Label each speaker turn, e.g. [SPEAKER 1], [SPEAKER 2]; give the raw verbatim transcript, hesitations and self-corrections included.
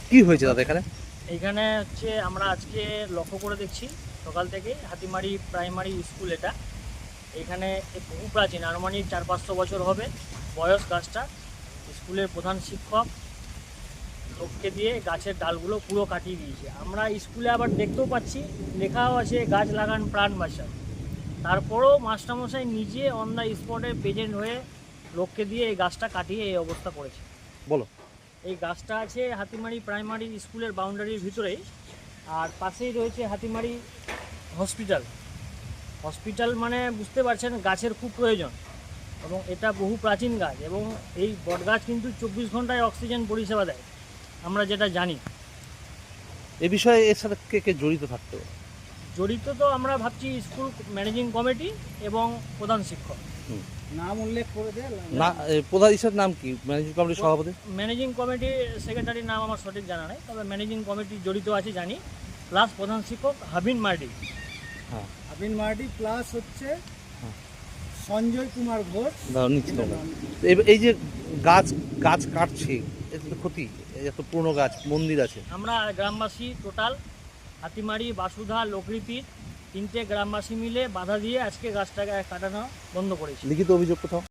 [SPEAKER 1] কি হয়েছে দাদা এখানে?
[SPEAKER 2] এইখানে হচ্ছে আমরা আজকে লক্ষ্য করে দেখছি সকাল থেকে হাতিমারি প্রাইমারি স্কুল এটা এখানে বহু প্রাচীন আনুমানিক চার পাঁচশো বছর হবে বয়স গাছটা। স্কুলের প্রধান শিক্ষক লোককে দিয়ে গাছের ডালগুলো পুরো কাটিয়ে দিয়েছে। আমরা স্কুলে আবার দেখতেও পাচ্ছি লেখাও আছে গাছ লাগান প্রাণ বাঁচান। তারপরেও মাস্টারমশাই নিজে অন দ্য স্পটে প্রেজেন্ট হয়ে লোককে দিয়ে এই গাছটা কাটিয়ে এই অবস্থা করেছে।
[SPEAKER 1] বলো।
[SPEAKER 2] এই গাছটা আছে হাতিমারি প্রাইমারি স্কুলের বাউন্ডারির ভিতরেই, আর পাশেই রয়েছে হাতিমারি হসপিটাল। হসপিটাল মানে বুঝতে পারছেন গাছের খুব প্রয়োজন, এবং এটা বহু প্রাচীন গাছ, এবং এই বটগাছ কিন্তু চব্বিশ ঘন্টায় অক্সিজেন পরিষেবা দেয় আমরা যেটা জানি।
[SPEAKER 1] এ বিষয়ে এর সাথে কে কে জড়িত থাকতে পারে?
[SPEAKER 2] জড়িত তো আমরা ভাবছি স্কুল ম্যানেজিং কমিটি এবং প্রধান শিক্ষক।
[SPEAKER 3] নাম উল্লেখ করে দেয়
[SPEAKER 1] না, এ, প্রধান হিসেবের নাম কি? ম্যানেজিং কমিটির সভাপতি?
[SPEAKER 2] ম্যানেজিং কমিটি সেক্রেটারির নাম আমার সঠিক জানা নেই, তবে ম্যানেজিং কমিটি জড়িত আছে জানি, প্লাস প্রধান শিক্ষক হাবিন মার্ডি।
[SPEAKER 1] হ্যাঁ,
[SPEAKER 3] আবিন মার্ডি প্লাস হচ্ছে
[SPEAKER 1] হ্যাঁ।
[SPEAKER 3] সঞ্জয় কুমার ঘোষ।
[SPEAKER 1] দাঁড়াও, নিচ্ছি দাঁড়াও। এই- এই যে গাছ গাছ কাটছে, এতে তো ক্ষতি। এই এত পুরনো গাছ, মন্দির আছে।
[SPEAKER 2] আমরা গ্রামবাসী টোটাল হাতিমারি বাসুধা লোকরীতি তিনটে গ্রামবাসী মিলে বাধা দিয়ে আজকে গাছটাকে কাটানো বন্ধ করেছি।
[SPEAKER 1] লিখিত অভিযোগ কোথাও?